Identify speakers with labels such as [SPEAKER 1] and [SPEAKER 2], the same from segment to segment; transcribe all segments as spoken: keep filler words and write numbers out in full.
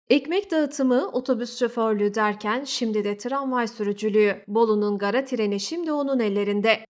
[SPEAKER 1] Ekmek dağıtımı, otobüs şoförlüğü derken şimdi de tramvay sürücülüğü. Bolu'nun gara treni şimdi onun ellerinde.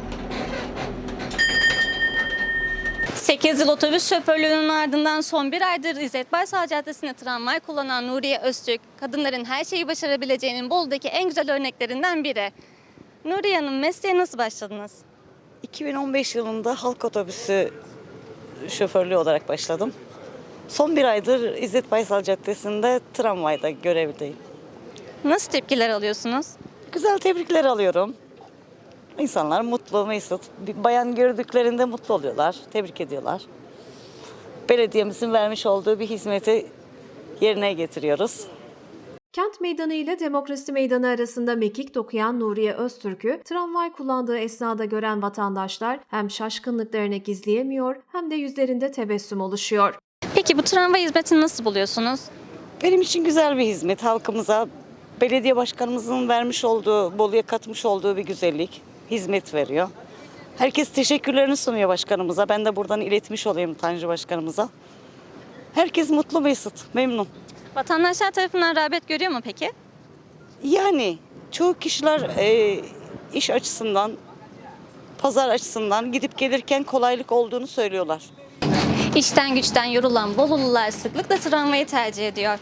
[SPEAKER 2] sekiz yıl otobüs şoförlüğünün ardından son bir aydır İzzet Baysal Caddesi'nde tramvay kullanan Nuriye Öztürk, kadınların her şeyi başarabileceğinin Bolu'daki en güzel örneklerinden biri. Nuriye Hanım, mesleğe nasıl başladınız?
[SPEAKER 3] iki bin on beş yılında halk otobüsü şoförlüğü olarak başladım. Son bir aydır İzzet Baysal Caddesi'nde tramvayda görevdeyim.
[SPEAKER 2] Nasıl tepkiler alıyorsunuz?
[SPEAKER 3] Güzel tebrikler alıyorum. İnsanlar mutlu, mesut. Bir bayan gördüklerinde mutlu oluyorlar, tebrik ediyorlar. Belediyemizin vermiş olduğu bir hizmeti yerine getiriyoruz.
[SPEAKER 1] Kent Meydanı ile Demokrasi Meydanı arasında mekik dokuyan Nuriye Öztürk'ü tramvay kullandığı esnada gören vatandaşlar hem şaşkınlıklarını gizleyemiyor hem de yüzlerinde tebessüm oluşuyor.
[SPEAKER 2] Peki bu tramvay hizmetini nasıl buluyorsunuz?
[SPEAKER 3] Benim için güzel bir hizmet. Halkımıza belediye başkanımızın vermiş olduğu, Bolu'ya katmış olduğu bir güzellik, hizmet veriyor. Herkes teşekkürlerini sunuyor başkanımıza. Ben de buradan iletmiş olayım Tanju başkanımıza. Herkes mutlu, mesut, memnun.
[SPEAKER 2] Vatandaşlar tarafından rağbet görüyor mu peki?
[SPEAKER 3] Yani çoğu kişiler e, iş açısından, pazar açısından gidip gelirken kolaylık olduğunu söylüyorlar.
[SPEAKER 2] İşten güçten yorulan Bolulular sıklıkla tramvayı tercih ediyor.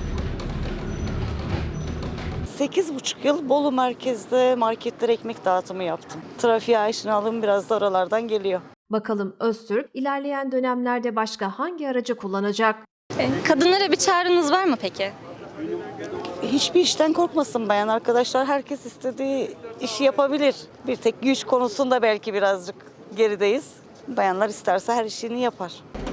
[SPEAKER 3] Sekiz buçuk yıl Bolu merkezde marketlere ekmek dağıtımı yaptım. Trafiğe aşinalığım biraz da oralardan geliyor.
[SPEAKER 1] Bakalım Öztürk ilerleyen dönemlerde başka hangi aracı kullanacak?
[SPEAKER 2] E, Kadınlara bir çağrınız var mı peki?
[SPEAKER 3] Hiçbir işten korkmasın bayan arkadaşlar. Herkes istediği işi yapabilir. Bir tek güç konusunda belki birazcık gerideyiz. Bayanlar isterse her işini yapar.